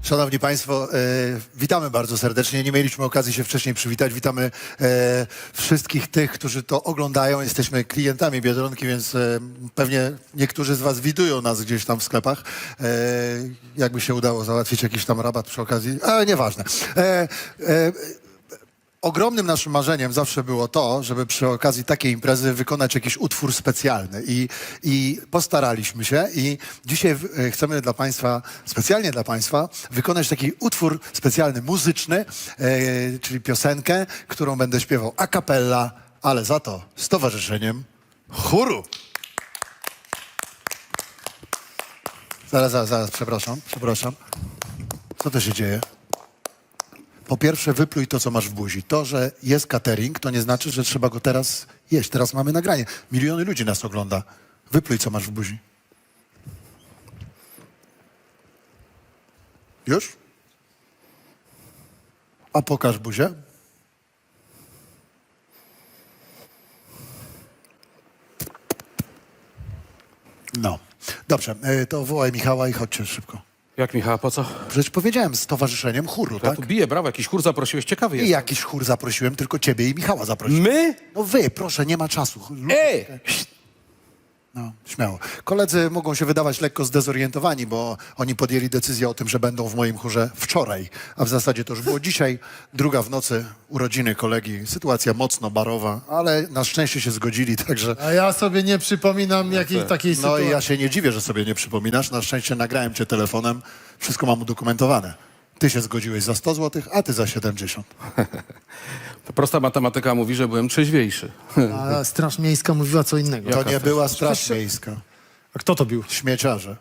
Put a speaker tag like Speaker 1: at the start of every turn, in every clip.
Speaker 1: Szanowni Państwo, witamy bardzo serdecznie. Nie mieliśmy okazji się wcześniej przywitać. Witamy wszystkich tych, którzy to oglądają. Jesteśmy klientami Biedronki, więc pewnie niektórzy z Was widują nas gdzieś tam w sklepach. Jakby się udało załatwić jakiś tam rabat przy okazji, ale nieważne. Ogromnym naszym marzeniem zawsze było to, żeby przy okazji takiej imprezy wykonać jakiś utwór specjalny i postaraliśmy się i dzisiaj chcemy dla Państwa, specjalnie dla Państwa, wykonać taki utwór specjalny, muzyczny, czyli piosenkę, którą będę śpiewał a cappella, ale za to z towarzyszeniem chóru. Zaraz, przepraszam. Co to się dzieje? Po pierwsze, wypluj to, co masz w buzi. To, że jest catering, to nie znaczy, że trzeba go teraz jeść. Teraz mamy nagranie. Miliony ludzi nas ogląda. Wypluj, co masz w buzi. Już? A pokaż buzię. No. Dobrze, to wołaj Michała i chodźcie szybko.
Speaker 2: Jak Michała, po co?
Speaker 1: Przecież powiedziałem, z towarzyszeniem chóru,
Speaker 2: Ja
Speaker 1: tak?
Speaker 2: tu biję, brawo, jakiś chór zaprosiłeś, ciekawy
Speaker 1: I
Speaker 2: jest.
Speaker 1: jakiś chór zaprosiłem, tylko ciebie i Michała zaprosiłem.
Speaker 2: My?
Speaker 1: No wy, proszę, nie ma czasu.
Speaker 2: Ej!
Speaker 1: No, śmiało. Koledzy mogą się wydawać lekko zdezorientowani, bo oni podjęli decyzję o tym, że będą w moim chórze wczoraj, a w zasadzie to już było dzisiaj, 2 w nocy, urodziny kolegi, sytuacja mocno barowa, ale na szczęście się zgodzili, także...
Speaker 3: A ja sobie nie przypominam jakiej takiej
Speaker 1: No
Speaker 3: sytuacji.
Speaker 1: i ja się nie dziwię, że sobie nie przypominasz, na szczęście nagrałem cię telefonem, wszystko mam udokumentowane. Ty się zgodziłeś za 100 zł, a ty za 70.
Speaker 2: To prosta matematyka mówi, że byłem trzeźwiejszy.
Speaker 3: A Straż Miejska mówiła co innego.
Speaker 1: To nie była Straż Miejska,
Speaker 3: A kto to bił?
Speaker 1: śmieciarze.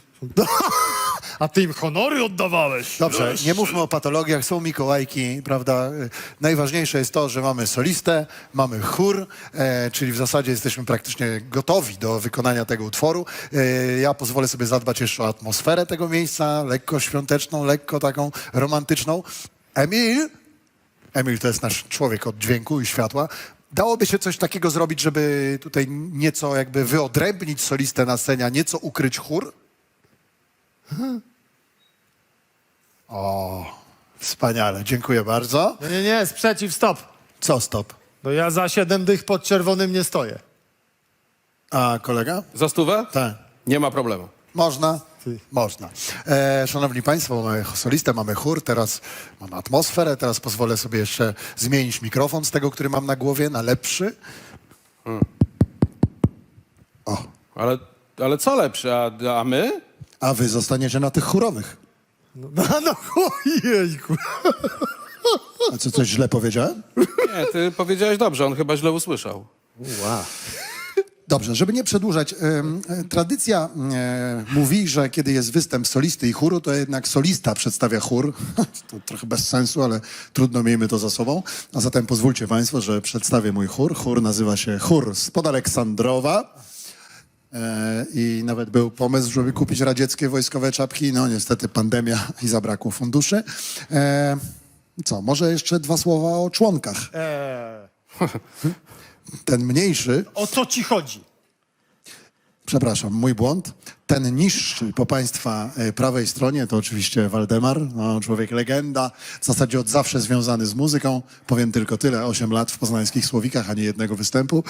Speaker 3: A ty im honory oddawałeś.
Speaker 1: Dobrze, nie mówmy o patologiach, są Mikołajki, prawda? Najważniejsze jest to, że mamy solistę, mamy chór, czyli w zasadzie jesteśmy praktycznie gotowi do wykonania tego utworu. Ja pozwolę sobie zadbać jeszcze o atmosferę tego miejsca, lekko świąteczną, lekko taką romantyczną. Emil to jest nasz człowiek od dźwięku i światła. Dałoby się coś takiego zrobić, żeby tutaj nieco jakby wyodrębnić solistę na scenie, a nieco ukryć chór? O, wspaniale, dziękuję bardzo.
Speaker 3: Nie, sprzeciw, stop.
Speaker 1: Co stop?
Speaker 3: No ja za 7 dych pod czerwonym nie stoję.
Speaker 1: A kolega?
Speaker 2: Za stówę?
Speaker 1: Tak.
Speaker 2: Nie ma problemu.
Speaker 1: Można? Można. Szanowni Państwo, mamy solistę, mamy chór, teraz mamy atmosferę, teraz pozwolę sobie jeszcze zmienić mikrofon z tego, który mam na głowie, na lepszy. O,
Speaker 2: Ale co lepsze, a my?
Speaker 1: a wy zostaniecie na tych chórowych.
Speaker 3: No ojejku.
Speaker 1: A co, coś źle powiedziałem?
Speaker 2: Nie, ty powiedziałeś dobrze, on chyba źle usłyszał.
Speaker 3: Wow.
Speaker 1: Dobrze, żeby nie przedłużać, tradycja mówi, że kiedy jest występ solisty i chóru, to jednak solista przedstawia chór. To trochę bez sensu, ale trudno, miejmy to za sobą. A zatem pozwólcie Państwo, że przedstawię mój chór. Chór nazywa się Chór spod Aleksandrowa. I nawet był pomysł, żeby kupić radzieckie wojskowe czapki. No niestety pandemia i zabrakło funduszy. Co, może jeszcze 2 słowa o członkach. Ten mniejszy...
Speaker 3: O co ci chodzi?
Speaker 1: Przepraszam, mój błąd. Ten niższy po Państwa prawej stronie to oczywiście Waldemar, no, człowiek legenda, w zasadzie od zawsze związany z muzyką. Powiem tylko tyle, 8 lat w poznańskich Słowikach, a nie jednego występu.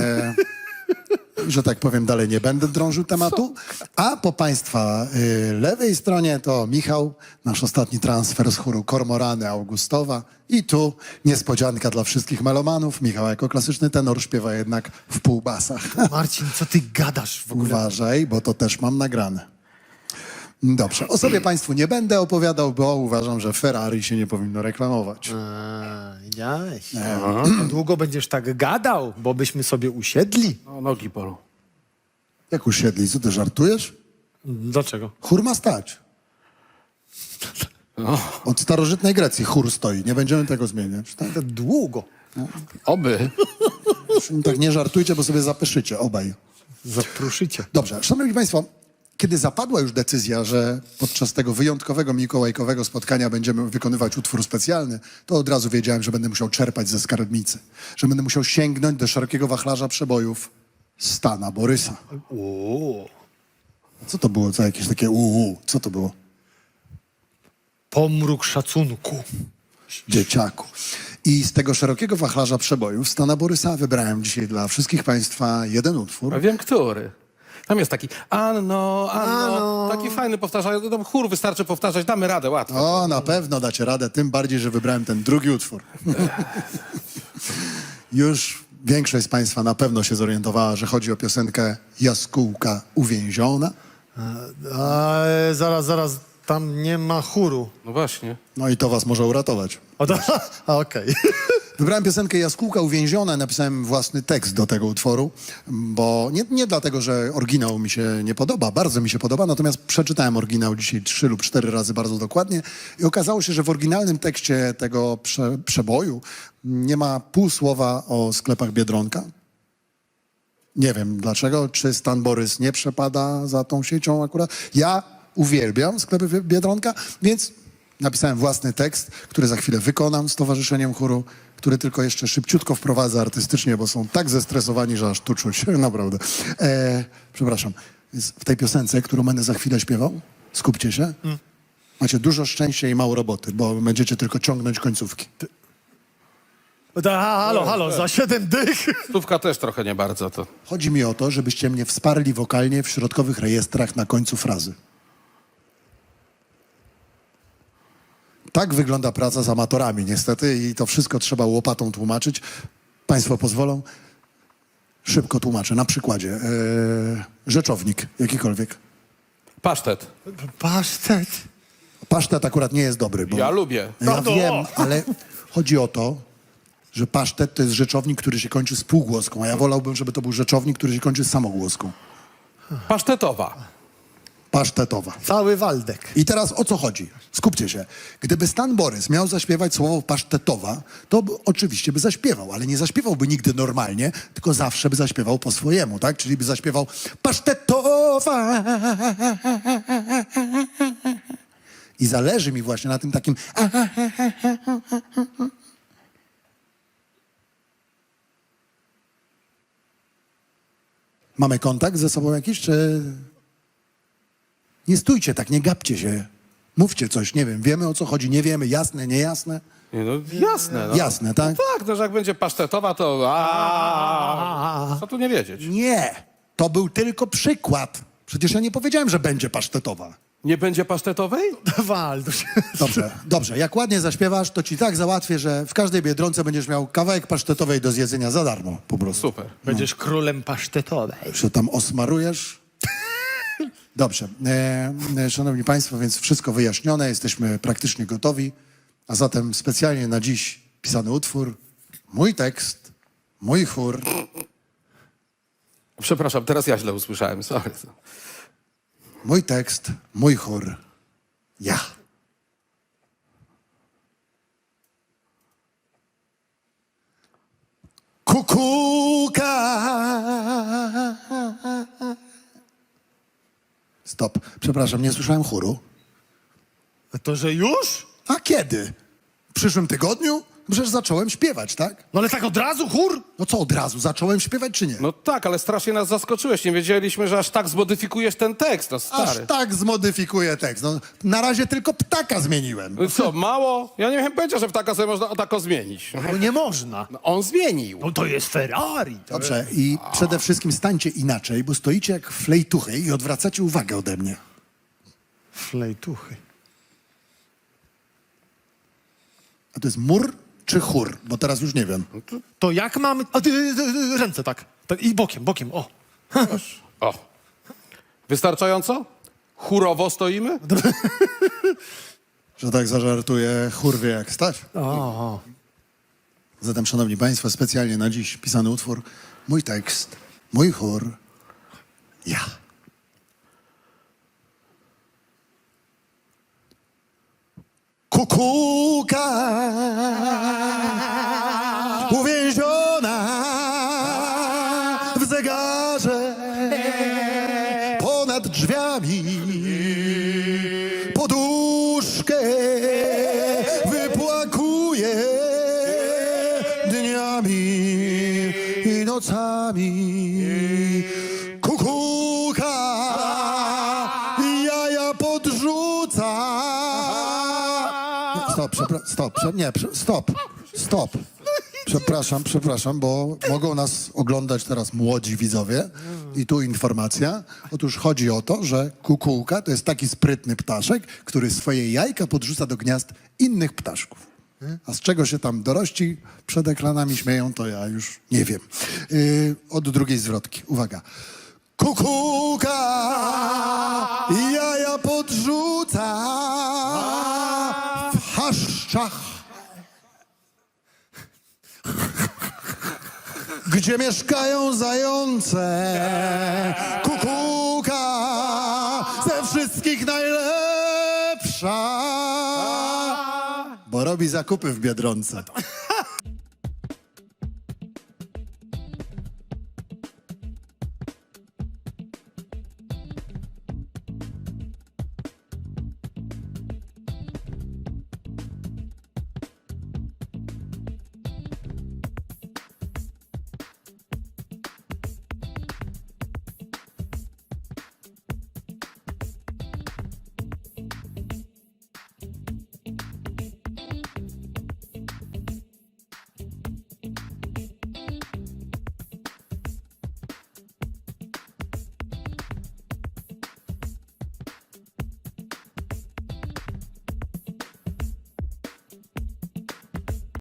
Speaker 1: Że tak powiem, dalej nie będę drążył tematu. A po Państwa lewej stronie to Michał, nasz ostatni transfer z chóru Kormorany Augustowa. I tu niespodzianka dla wszystkich melomanów. Michał jako klasyczny tenor śpiewa jednak w półbasach.
Speaker 3: Marcin, co ty gadasz w ogóle?
Speaker 1: Uważaj, bo to też mam nagrane. Dobrze, o sobie Państwu nie będę opowiadał, bo uważam, że Ferrari się nie powinno reklamować.
Speaker 3: Widziałeś? Długo będziesz tak gadał, bo byśmy sobie usiedli.
Speaker 2: No, nogi bolą.
Speaker 1: Jak usiedli, co ty żartujesz?
Speaker 3: Dlaczego?
Speaker 1: Chór ma stać. Od starożytnej Grecji chór stoi, nie będziemy tego zmieniać. Tak,
Speaker 3: Długo.
Speaker 2: Oby.
Speaker 1: tak nie żartujcie, bo sobie zapyszycie obaj.
Speaker 3: Zapruszycie.
Speaker 1: Dobrze, szanowni Państwo, kiedy zapadła już decyzja, że podczas tego wyjątkowego mikołajkowego spotkania będziemy wykonywać utwór specjalny, to od razu wiedziałem, że będę musiał czerpać ze skarbnicy. Że będę musiał sięgnąć do szerokiego wachlarza przebojów Stana Borysa. Co to było za jakieś takie co to było?
Speaker 3: Pomruk szacunku.
Speaker 1: Dzieciaku. I z tego szerokiego wachlarza przebojów Stana Borysa wybrałem dzisiaj dla wszystkich państwa jeden utwór.
Speaker 2: A wiem, który. Tam jest taki Anno, Anno. Taki fajny powtarzający. Tam chór wystarczy powtarzać, damy radę, łatwo.
Speaker 1: O, na pewno dacie radę, tym bardziej, że wybrałem ten drugi utwór. Już większość z państwa na pewno się zorientowała, że chodzi o piosenkę Jaskółka uwięziona.
Speaker 3: Zaraz, tam nie ma chóru.
Speaker 2: No właśnie.
Speaker 1: No i to was może uratować.
Speaker 3: Okej.
Speaker 1: Wybrałem piosenkę Jaskółka uwięziona, napisałem własny tekst do tego utworu, bo nie dlatego, że oryginał mi się nie podoba, bardzo mi się podoba, natomiast przeczytałem oryginał dzisiaj 3 lub 4 razy bardzo dokładnie i okazało się, że w oryginalnym tekście tego przeboju nie ma pół słowa o sklepach Biedronka. Nie wiem dlaczego, czy Stan Borys nie przepada za tą siecią akurat. Ja uwielbiam sklepy Biedronka, więc napisałem własny tekst, który za chwilę wykonam z Towarzyszeniem Chóru, który tylko jeszcze szybciutko wprowadzę artystycznie, bo są tak zestresowani, że aż tu czuć, naprawdę. Przepraszam. Więc w tej piosence, którą będę za chwilę śpiewał, skupcie się, macie dużo szczęścia i mało roboty, bo będziecie tylko ciągnąć końcówki.
Speaker 3: Halo, za 7 dych.
Speaker 2: Stówka też trochę nie bardzo to.
Speaker 1: Chodzi mi o to, żebyście mnie wsparli wokalnie w środkowych rejestrach na końcu frazy. Tak wygląda praca z amatorami niestety i to wszystko trzeba łopatą tłumaczyć. Państwo pozwolą? Szybko tłumaczę, na przykładzie. Rzeczownik, jakikolwiek.
Speaker 2: Pasztet.
Speaker 3: Pasztet.
Speaker 1: Pasztet akurat nie jest dobry, bo
Speaker 2: Ja lubię.
Speaker 1: ja wiem, ale chodzi o to, że pasztet to jest rzeczownik, który się kończy spółgłoską, a ja wolałbym, żeby to był rzeczownik, który się kończy samogłoską.
Speaker 2: Pasztetowa.
Speaker 1: Pasztetowa.
Speaker 3: Cały Waldek.
Speaker 1: I teraz o co chodzi? Skupcie się. Gdyby Stan Borys miał zaśpiewać słowo pasztetowa, to oczywiście by zaśpiewał, ale nie zaśpiewałby nigdy normalnie, tylko zawsze by zaśpiewał po swojemu, tak? Czyli by zaśpiewał pasztetowa. I zależy mi właśnie na tym takim Mamy kontakt ze sobą jakiś, czy... Nie stójcie tak, nie gapcie się. Mówcie coś, nie wiem, wiemy o co chodzi, nie wiemy, jasne, niejasne?
Speaker 2: Nie, no jasne. No.
Speaker 1: Jasne, tak?
Speaker 2: Tak, no, że jak będzie pasztetowa, to co tu nie wiedzieć?
Speaker 1: Nie, to był tylko przykład. Przecież ja nie powiedziałem, że będzie pasztetowa.
Speaker 2: Nie będzie pasztetowej?
Speaker 3: Waldusz.
Speaker 1: Dobrze, jak ładnie zaśpiewasz, to ci tak załatwię, że w każdej Biedronce będziesz miał kawałek pasztetowej do zjedzenia za darmo, po prostu.
Speaker 2: Super.
Speaker 3: Będziesz królem pasztetowej.
Speaker 1: Że tam osmarujesz. Dobrze. Szanowni Państwo, więc wszystko wyjaśnione, jesteśmy praktycznie gotowi. A zatem specjalnie na dziś pisany utwór, mój tekst, mój chór.
Speaker 2: Przepraszam, teraz ja źle usłyszałem, sorry.
Speaker 1: Mój tekst, mój chór, ja. Kukułka. Stop. Przepraszam, nie słyszałem chóru.
Speaker 3: To, że już?
Speaker 1: A kiedy? W przyszłym tygodniu? Przecież zacząłem śpiewać, tak?
Speaker 3: No ale tak od razu chór?
Speaker 1: No co, od razu? Zacząłem śpiewać, czy nie?
Speaker 2: No tak, ale strasznie nas zaskoczyłeś. Nie wiedzieliśmy, że aż tak zmodyfikujesz ten tekst, no stary.
Speaker 1: Aż tak zmodyfikuję tekst. No, na razie tylko ptaka zmieniłem.
Speaker 2: No co, mało? Ja nie miałem pojęcia, że ptaka sobie można tako zmienić.
Speaker 3: No nie można.
Speaker 2: No, on zmienił.
Speaker 3: No to jest Ferrari.
Speaker 1: Dobrze, i przede wszystkim stańcie inaczej, bo stoicie jak flejtuchy i odwracacie uwagę ode mnie.
Speaker 3: Flejtuchy.
Speaker 1: A to jest mur czy chór? Bo teraz już nie wiem.
Speaker 3: To jak mamy... A ręce tak. I bokiem, o.
Speaker 2: O. Wystarczająco? Chórowo stoimy?
Speaker 1: Że tak zażartuję, chór wie jak stać.
Speaker 3: O.
Speaker 1: Zatem, szanowni państwo, specjalnie na dziś pisany utwór, mój tekst, mój chór, ja. Kukułka uwięziona w zegarze ponad drzwiami poduszkę wypłakuje dniami i nocami. Kukułka jaja podrzuca Stop. Przepraszam, bo mogą nas oglądać teraz młodzi widzowie. I tu informacja. Otóż chodzi o to, że kukułka to jest taki sprytny ptaszek, który swoje jajka podrzuca do gniazd innych ptaszków. A z czego się tam dorości przed ekranami śmieją, to ja już nie wiem. Od drugiej zwrotki. Uwaga. Kukułka jaja podrzuca w chaszczach, gdzie mieszkają zające. Kukułka ze wszystkich najlepsza, bo robi zakupy w Biedronce.